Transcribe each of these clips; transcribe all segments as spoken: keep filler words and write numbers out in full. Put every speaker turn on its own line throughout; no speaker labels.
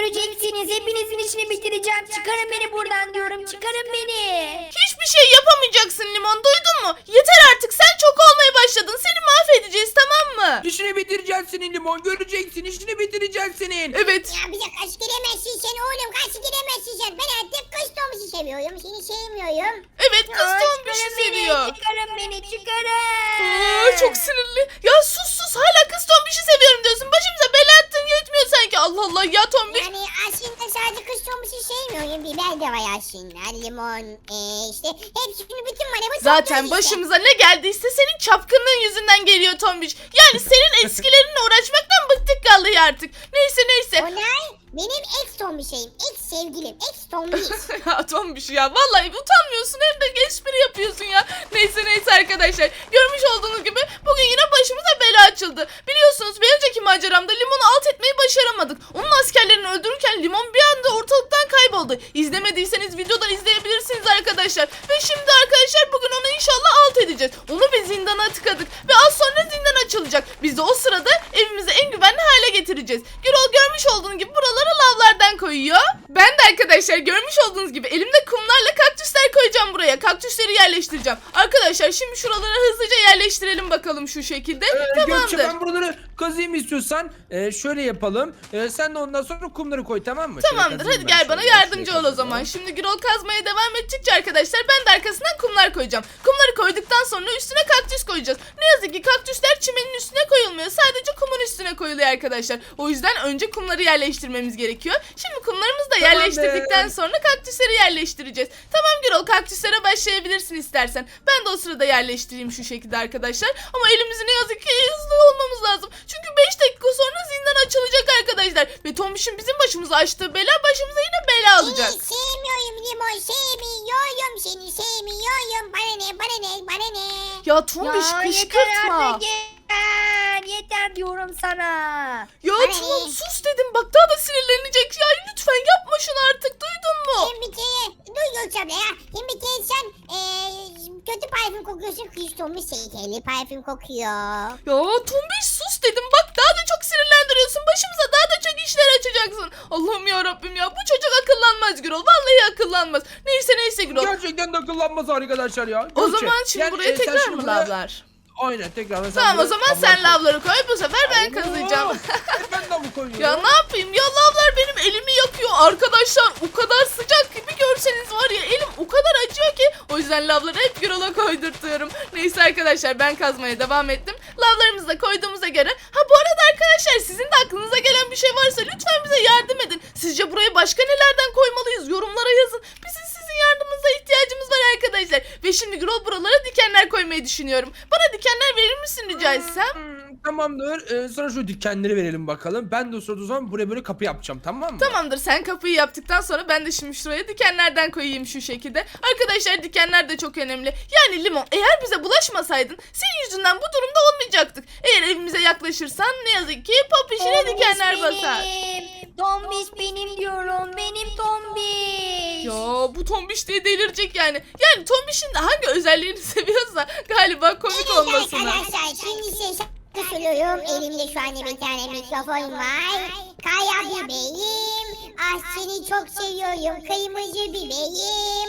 göreceksiniz. Hepinizin işini bitireceğim. Çıkarın beni buradan diyorum. Çıkarın beni.
Hiçbir şey yapamayacaksın Limon, duydun mu? Yeter artık, sen çok olmaya başladın. Seni mahvedeceğiz, tamam mı?
İşini bitireceğiz senin Limon. Göreceksin, işini bitireceğiz senin.
Evet.
Ya bize kaç giremezsin sen oğlum, kaç giremezsin sen. Ben artık kız Tombiş'i seviyorum, seni sevmiyorum.
Evet, kız
Aa,
Tombiş'i
çıkarın beni,
seviyor.
Çıkarın beni çıkarın.
Aa, çok sinirli. Ya sus sus, hala kız Tombiş'i seviyorum diyorsun. Başımıza bela attın yetmiyor sanki. Allah Allah ya Tombiş.
Yani aslında sadece kız Tombiş'i sevmiyorum. Biber de var aslında, limon, ee, işte hepsini bütün var. Bu
Zaten
topluyor işte.
başımıza ne geldiyse senin çapkınlığın yüzünden geliyor Tombiş. Yani senin eskilerinle uğraşmaktan bıktık vallahi artık. Neyse neyse.
Onay benim ex Tombiş'im, ex sevgilim, ex Tombiş.
Ya Tombiş ya, vallahi utanmıyorsun hem de espri yapıyorsun ya. Neyse neyse arkadaşlar, görmüş olduğunuz gibi bugün yine başımıza bela açıldı. Biliyorsunuz bir önceki maceramda Limon'u alt etmeyi başaramadık. Onun askerlerini öldürürken Limon bir anda ortalıktan kayboldu. İzlemediyseniz videodan izleyebilirsiniz arkadaşlar. Ve şimdi arkadaşlar bugün onu inşallah alt edeceğiz. Onu bir zindana tıkadık ve az sonra zindan açılacak. Biz de o sırada evimizi en güvenli hale getireceğiz. Gürol görmüş olduğunuz gibi buralara lavlardan koyuyor. Ben de arkadaşlar görmüş olduğunuz gibi elimde kumlarla kaktüsler koyacağım buraya. Kaktüsleri yerleştireceğim. Arkadaşlar şimdi şuralara hızlıca yerleştirelim bakalım şu şekilde.
Ee, Gökçe,
Tamamdır.
ben buraları kazıyım istiyorsan. Ee, şöyle yapalım. Ee, sen de ondan sonra kumları koy, tamam mı? Şöyle
Tamamdır,
kazıyım
hadi
ben
gel bana
şöyle,
yardımcı
şöyle
ol o
kazalım.
zaman. Şimdi Gürol kazmaya devam edecekçe arkadaşlar ben de arkasından kumlar koyacağım. Kumları koyduktan sonra üstüne kaktüs koyacağız. Ne yazık ki kaktüsler çimenin üstüne koyulmuyor. Sadece kumun üstüne koyuluyor arkadaşlar. O yüzden önce kumları yerleştirmemiz gerekiyor. Şimdi kumlarımızı da
Tamam
yerleştirdikten
be.
sonra kaktüsleri yerleştireceğiz. Tamam Gürol, kaktüslere başlayabilirsin istersen. Ben de o sırada yerleştireyim şu şekilde arkadaşlar. Ama elimizi ne yazık ki hızlı olmamız lazım. Çünkü beş dakika sonra zindan açılacak arkadaşlar. Ve Tombiş'in bizim başımıza açtığı bela başımıza yine bela alacak.
Seni sevmiyorum limon, sevmiyorum seni, sevmiyorum. Bana ne, bana ne, bana ne.
Ya Tombiş
Ya yeter
kışkırtma.
artık yeter. Yeter diyorum sana.
Ya
Bana
tamam
ne?
sus dedim, bak daha da sinirlenecek ya, lütfen yapma şunu artık, duydun mu?
Hem bir kere, dur Gökçe abla ya. Hem bir kere sen ee, kötü parfüm kokuyorsun, kız Tombiş sevgili parfüm kokuyor.
Ya Tombiş sus dedim, bak daha da çok sinirlendiriyorsun, başımıza daha da çok işler açacaksın. Allah'ım ya Rabbim ya, bu çocuk akıllanmaz Gürol, vallahi akıllanmaz. Neyse neyse Gürol.
Gerçekten de akıllanmaz arkadaşlar ya.
O
Gökçe,
zaman şimdi
yani,
buraya
e, sen
tekrar
şimdi
mı
buraya-
lavlar?
Aynen tekrar. Sen
Tamam o
buraya
zaman
lavlar
sen
koy.
lavları koy, bu sefer ben
Allah!
kazıyacağım.
E, ben de mi koyuyorum?
Ya ne yapayım ya, lavlar benim elimi yakıyor arkadaşlar, o kadar sıcak ki bir görseniz var ya, elim o kadar acıyor ki, o yüzden lavları hep Gürol'a koydurtuyorum. Neyse arkadaşlar ben kazmaya devam ettim. Lavlarımızı da koyduğumuza göre, ha bu arada arkadaşlar sizin de aklınıza gelen bir şey varsa lütfen bize yardım edin. Sizce buraya başka nelerden koymalıyız, yorumlara yazın. Bizim sizin yardımınıza ihtiyacımız var arkadaşlar. Ve şimdi Gürol buralara dikenler koymayı düşünüyorum. Bana dikenler verir misin rica etsem?
Hmm, tamamdır. Ee, sonra şu dikenleri verelim bakalım. Ben de o sırada o zaman buraya böyle kapı yapacağım, tamam mı?
Tamamdır, sen kapıyı yaptıktan sonra ben de şimdi şuraya dikenlerden koyayım şu şekilde. Arkadaşlar dikenler de çok önemli. Yani Limon, eğer bize bulaşmasaydın senin yüzünden bu durumda olmayacaktık. Eğer evimize yaklaşırsan ne yazık ki popişine
Tombiş
dikenler basar.
benim. Tombiş benim diyorum. Benim Tombiş.
Ya bu Tombiş diye delirecek yani. Yani Tombiş'in de hangi özelliğini seviyorsa galiba komik
Evet
olmasına.
arkadaşlar, şimdi size şarkı söylüyorum. Elimde şu anda bir tane mikrofon var. Kaya bebeğim, ah seni çok seviyorum, kırmızı bebeğim.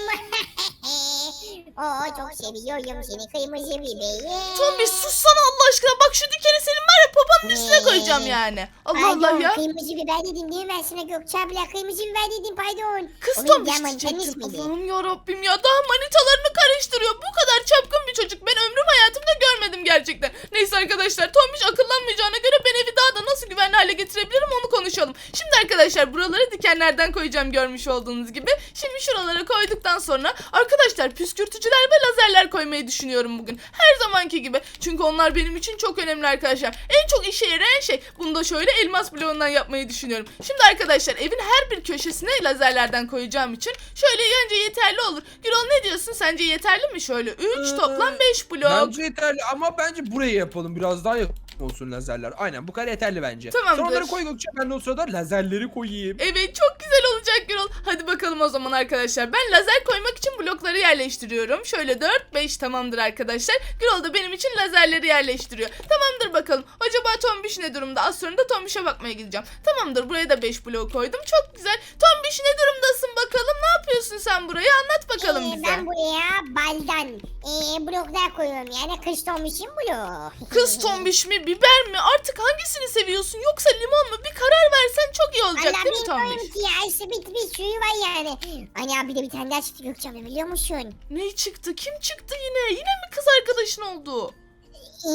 Oo çok seviyorum seni, kırmızı bebeğim.
Tombiş sussana Allah aşkına, bak şu dikeni senin var ya popanın üstüne
Ne?
koyacağım yani. Allah
Pardon,
Allah ya.
kırmızı biber dedim değil mi ben sana Gökçe abla? Kırmızı biber dedim, pardon.
Kız
O benim
Tombiş
diğer manitanın
diyecektim.
ismiydi.
Allah'ım yarabbim ya, daha manitalarını karıştırıyor. Bu kadar çapkın bir çocuk ben ömrüm hayatımda görmedim gerçekten. Neyse arkadaşlar, Tombiş akıllanmayacağına göre ben evi daha da nasıl güvenli hale getirebilirim onu konuşalım. Şimdi arkadaşlar buraları dikenlerden koyacağım görmüş olduğunuz gibi. Şimdi şuralara koyduktan sonra arkadaşlar püskürtücüler ve lazerler koymayı düşünüyorum bugün. Her zamanki gibi. Çünkü onlar benim için çok önemli arkadaşlar. En çok işe yarayan şey, bunu da şöyle elmas bloğundan yapmayı düşünüyorum. Şimdi arkadaşlar evin her bir köşesine lazerlerden koyacağım için şöyle önce yeterli olur. Gürol ne diyorsun, sence yeterli mi şöyle? üç
Ee,
toplam beş blok.
Bence yeterli ama bence buraya yapalım. Biraz daha yakın olsun lazerler. Aynen bu kadar yeterli bence.
Tamamdır.
Sonra onları koy Gökçe, ben de o sırada lazerleri koyayım.
Evet çok güzel olacak. olacak Gürol. Hadi bakalım o zaman arkadaşlar. Ben lazer koymak için blokları yerleştiriyorum. Şöyle dört beş tamamdır arkadaşlar. Gürol da benim için lazerleri yerleştiriyor. Tamamdır bakalım. Acaba Tombiş ne durumda? Az sonra da Tombiş'e bakmaya gideceğim. Tamamdır, buraya da beş blok koydum. Çok güzel. Tombiş ne durumdasın bakalım? Ne yapıyorsun sen buraya? Anlat bakalım
Ee,
bize.
ben buraya baldan ee, bloklar koyuyorum yani kış Tombiş'in bloğu.
Kız Tombiş mi, biber mi? Artık hangisini seviyorsun? Yoksa limon mu? Bir karar versen çok iyi olacak
Allah
değil mi Tombiş?
bilmiyorum ki ya işte bir, bir suyu var yani. Hani abi bir de bir tane daha çıktı Gökçe abla biliyor musun?
Ne çıktı? Kim çıktı yine? Yine mi kız arkadaşın oldu?
Ee,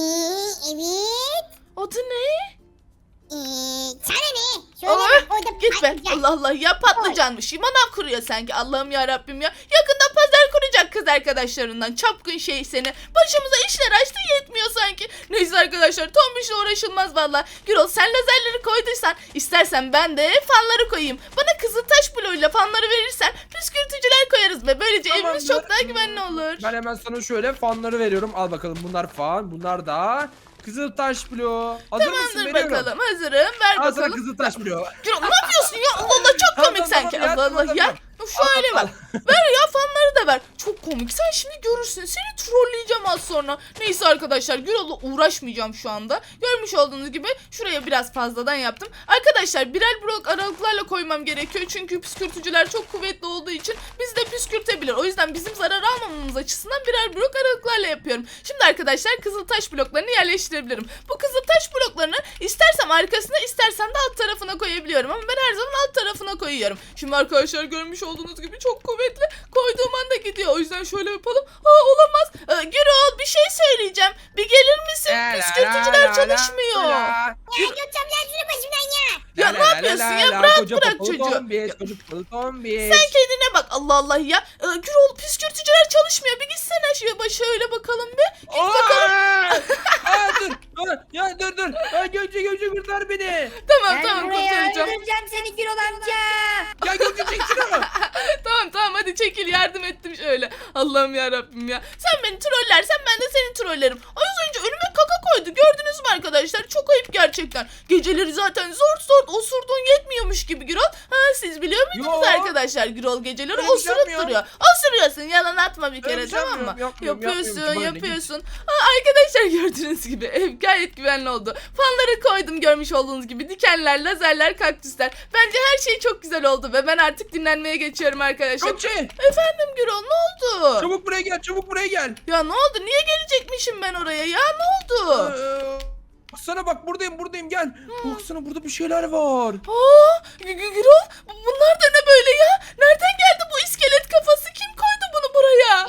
evet.
Adı ne?
Ee, sana ne? Şöyle
Aa,
bak orada
git be.
patlıcan.
Allah Allah ya, patlıcanmış. Manav kuruyor sanki. Allah'ım ya Rabbim ya. Yakında pazar kuracak kız arkadaşlarından. Çapkın şey seni. Başımıza işler açtı, yetmiyor sanki. Neyse arkadaşlar, Tombiş'le uğraşılmaz valla. Gürol, sen lazerleri koyduysan istersen ben de fanları koyayım. Bana kızıltaş bloğuyla fanları verirsen püskürtücüler koyarız ve böylece evimiz
Tamamdır.
çok daha güvenli olur.
Ben hemen sana şöyle fanları veriyorum. Al bakalım, bunlar fan, bunlar da Kızıltaş bloğu. Hazır mısın?
Tamamdır
Veriyorum.
bakalım, hazırım. Ver
Al sana
bakalım.
Kızıltaş bloğu.
Gürol, ne yapıyorsun ya? Allah Allah, çok
Tamam,
komik
tamam,
sanki.
tamam,
Allah
ya,
Allah
tamam,
ya.
tamam.
Şöyle
Al,
bak.
al,
Ver ya, fanları da ver. Çok komik. Sen şimdi görürsün. Seni trolleyeceğim az sonra. Neyse arkadaşlar, Gürol'la uğraşmayacağım şu anda. Görmüş olduğunuz gibi şuraya biraz fazladan yaptım. Arkadaşlar birer blok aralıklarla koymam gerekiyor. Çünkü püskürtücüler çok kuvvetli olduğu için bizi de püskürtebilir. O yüzden bizim zarar almamamız açısından birer blok aralıklarla yapıyorum. Şimdi arkadaşlar kızıltaş bloklarını yerleştirebilirim. Bu kızıltaş bloklarını istersem arkasına, istersem de alt tarafına koyabiliyorum. Ama ben her zaman alt tarafına koyuyorum. Şimdi arkadaşlar görmüş olduğunuz gibi çok kuvvetli. Koyduğum anda gidiyor. O yüzden şöyle yapalım. Aa, olamaz. Ee, Gürol, bir şey söyleyeceğim. Bir gelir misin?
La la
Püskürtücüler
la la
çalışmıyor.
la.
Ya Gökçe abla şunu başımdan ya.
Ya
La
ne
la la
yapıyorsun
la
ya?
la.
Bırak
Koca
bırak
kafalı
çocuğu.
Tombiş, koca kafalı Tombiş.
Sen kendine bak, Allah Allah ya. Ee, Gürol, püskürtücüler çalışmıyor. Bir gitsene şöyle, şöyle bakalım bir. Git bakalım.
Aa! Aa, dur. Aa, ya dur dur. Aa, Gökçe Gökçe kurtar beni.
Tamam
Ben
tamam,
buraya
kurtaracağım.
öldüreceğim seni Gürol amca.
Ya Gökçe çek şunu.
Tamam tamam, hadi çekil, yardım ettim şöyle. Allah'ım ya Rabbim ya. Sen beni trollersen ben de seni trollerim. Az önce önüme kaka koydu. Gördünüz mü arkadaşlar? Çok ayıp gerçekten. Geceleri zaten zor zor osurduğun yetmiyormuş gibi Gürol. Ha, siz biliyor muydunuz
Yo.
arkadaşlar? Gürol geceleri
Öyle bir şey
osurup
yapmıyorum.
duruyor. Osuruyorsun, yalan atma bir
Öyle
kere,
bir şey
tamam mı?
yapmıyorum, yapmıyorum,
Yapıyorsun
yapmıyorum. Bana ne,
yapıyorsun. Ha, arkadaşlar gördüğünüz gibi ev gayet güvenli oldu. Fanları koydum görmüş olduğunuz gibi. Dikenler, lazerler, kaktüsler. Bence her şey çok güzel oldu ve ben artık dinlenmeye geçiyorum arkadaşlar.
Gökçe.
Efendim Gürol, ne oldu?
Çabuk buraya gel, çabuk buraya gel.
Ya ne oldu? Niye gelecekmişim ben oraya ya? Ne oldu?
Ee, Baksana bak, buradayım buradayım gel. Baksana burada bir şeyler var.
Aa, Gü- Gü- Gürol, bu- bunlar da ne böyle ya? Nereden geldi bu iskelet kafası? Kim koydu bunu buraya?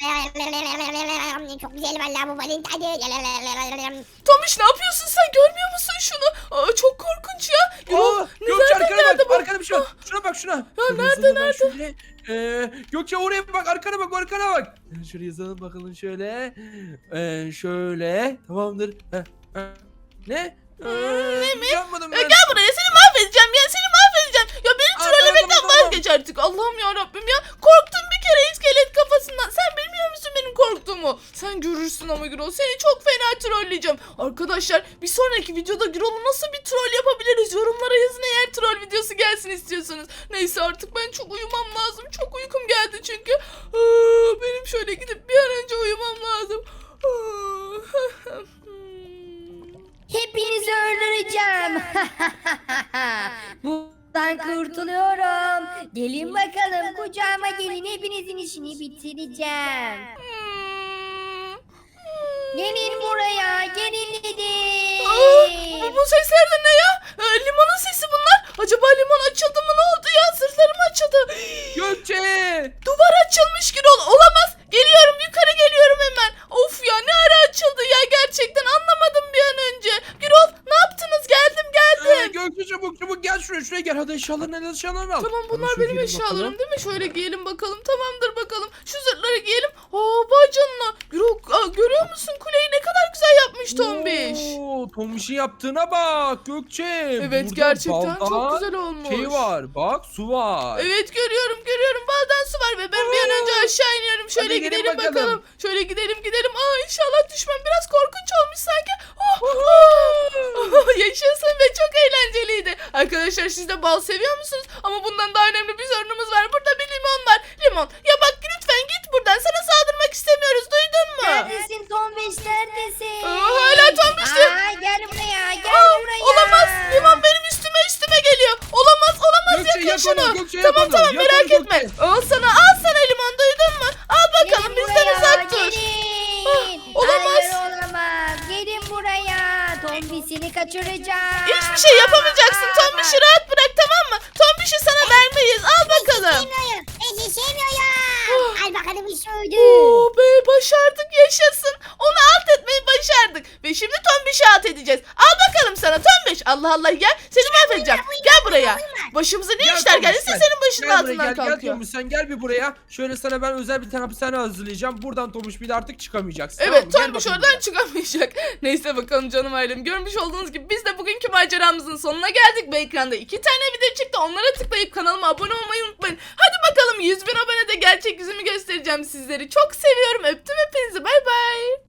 Çok güzel valla bu balın tadı.
Tomiş, ne yapıyorsun sen? Görmüyor musun şunu? Aa, çok korkunç ya. Gürol,
Aa,
ne-
Gökçe
nereden
arkana
geldi
bak,
bu?
arkada bir şey var. Şuna bak şuna. Şöyle
nerede,
yazalım ben
nerede?
Şöyle. Ee, Gökçe oraya bak, arkana bak, arkana bak. Şöyle yazalım bakalım şöyle. Ee, şöyle. Tamamdır. Heh, heh. Ne? Ee,
ne mi?
Yapmadım
Ya
ben.
gel buraya, seni mahvedeceğim ya, seni mahvedeceğim. Ya beni
Aa,
trollemekten
tamam, tamam,
vazgeç artık. Allah'ım ya Rabbim ya. Korktum bir kere iskelet kafasından. Sen bilmiyor musun benim korktuğumu? Sen görürsün ama Gürol. Seni çok fena trolleyeceğim. Arkadaşlar, bir sonraki videoda Gürol'u nasıl bir troll yapabiliriz? Yorumlara yazın eğer troll videosu gelsin istiyorsanız. Neyse, artık ben çok uyumam lazım. Çok uykum geldi çünkü. Aa, benim şöyle gidip bir an önce uyumam lazım. Aa,
Hepinizi öldüreceğim. Buradan kurtuluyorum. Gelin bakalım kucağıma gelin, hepinizin işini bitireceğim.
hmm.
Gelin buraya, gelin dedim.
Aa, bu, bu sesler de ne ya? Ee, limonun sesi bunlar. Acaba limon açıldı mı, ne oldu ya? Sırtlarım açıldı.
Gökçe.
Duvar açılmış Gürol. Olamaz. Geliyorum, yukarı geliyorum hemen. Of ya, ne ara açıldı ya, gerçekten anlamadım bir an önce. Gürol, ne yaptınız? Geldim
Ee,
geldim.
Gökçe çabuk çabuk gel şuraya, şuraya gel. Hadi eşyalarını, eşyalarını al.
Tamam,
Hemen
bunlar
şöyle
benim
girelim
eşyalarım
bakalım.
değil mi? Şöyle giyelim bakalım. Tamamdır bakalım. Şu zırhları giyelim. Aa vay canına. Gürol, aa, görüyor musun kuleyi ne kadar güzel yapmış Tombiş.
Oo, Tombiş'in yaptığına bak Gökçe.
Evet
Burada
gerçekten
baldan
çok güzel olmuş.
Şey var bak su var.
Evet görüyorum görüyorum baldan su var ve ben bir an önce aşağı iniyorum. Şöyle
Hadi gelin
gidelim bakalım.
bakalım.
Şöyle gidelim gidelim. Aa inşallah düşmem biraz korkunç olmuş sanki. Oh, oh. Yaşasın ve çok eğlenceliydi. Arkadaşlar siz de bal seviyor musunuz? Ama bundan daha önemli bir sorunumuz var. Burada bir limon var. Limon ya bak lütfen git buradan. Sana saldırmak istemiyoruz duydun mu?
Neredesin Tombiş neredesin?
Aa, hala Tombiş diyor.
Aa, gel buraya gel
Aa,
buraya.
olamaz. Limon benim üstüme üstüme geliyor. Olamaz olamaz
Gökçe,
yakın
yak
şunu.
onu, Gökçe, yak
tamam
onu,
tamam
yak
merak
onu,
etme.
Gökçe.
Al sana al sana limon duydun mu? Al bakalım
Gelin
bizden
buraya,
uzak dur.
gelin.
Ah, olamaz.
Hayır olamaz. Gelin buraya. Tombiş'ini kaçıracağım.
Hiçbir şey yapamayacaksın.
Aa,
Tombiş'i rahat bırak tamam mı? Tombiş'i sana vermeyiz. Al bakalım.
Sevmiyorum. Ben de sevmiyorum. Al bakalım işte öldü.
Oo be başardık yaşasın. Onu alt etmeyi başardık. Ve şimdi Tombiş'i alt edeceğiz. Al bakalım sana Tombiş. Allah Allah ya. Seni mahvedeceğim. Gel buraya. Başımıza ne
Gel
işler
Tombiş,
geldiyse
gel.
senin başının
Gel buraya,
altından
gel, gel
kalkıyor.
Tombiş, sen gel bir buraya. Şöyle sana ben özel bir tane hapishane hazırlayacağım. Buradan Tombiş bir de artık çıkamayacaksın. tamam
Evet
mı? Gel
Tombiş
bakayım
oradan
buraya.
çıkamayacak. Neyse bakalım canım ailem. Görmüş olduğunuz gibi biz de bugünkü maceramızın sonuna geldik. Ve ekranda iki tane video çıktı. Onlara tıklayıp kanalıma abone olmayı unutmayın. Hadi bakalım yüz bin abonede gerçek yüzümü göstereceğim sizleri. Çok seviyorum. Öptüm hepinizi. Bay bay.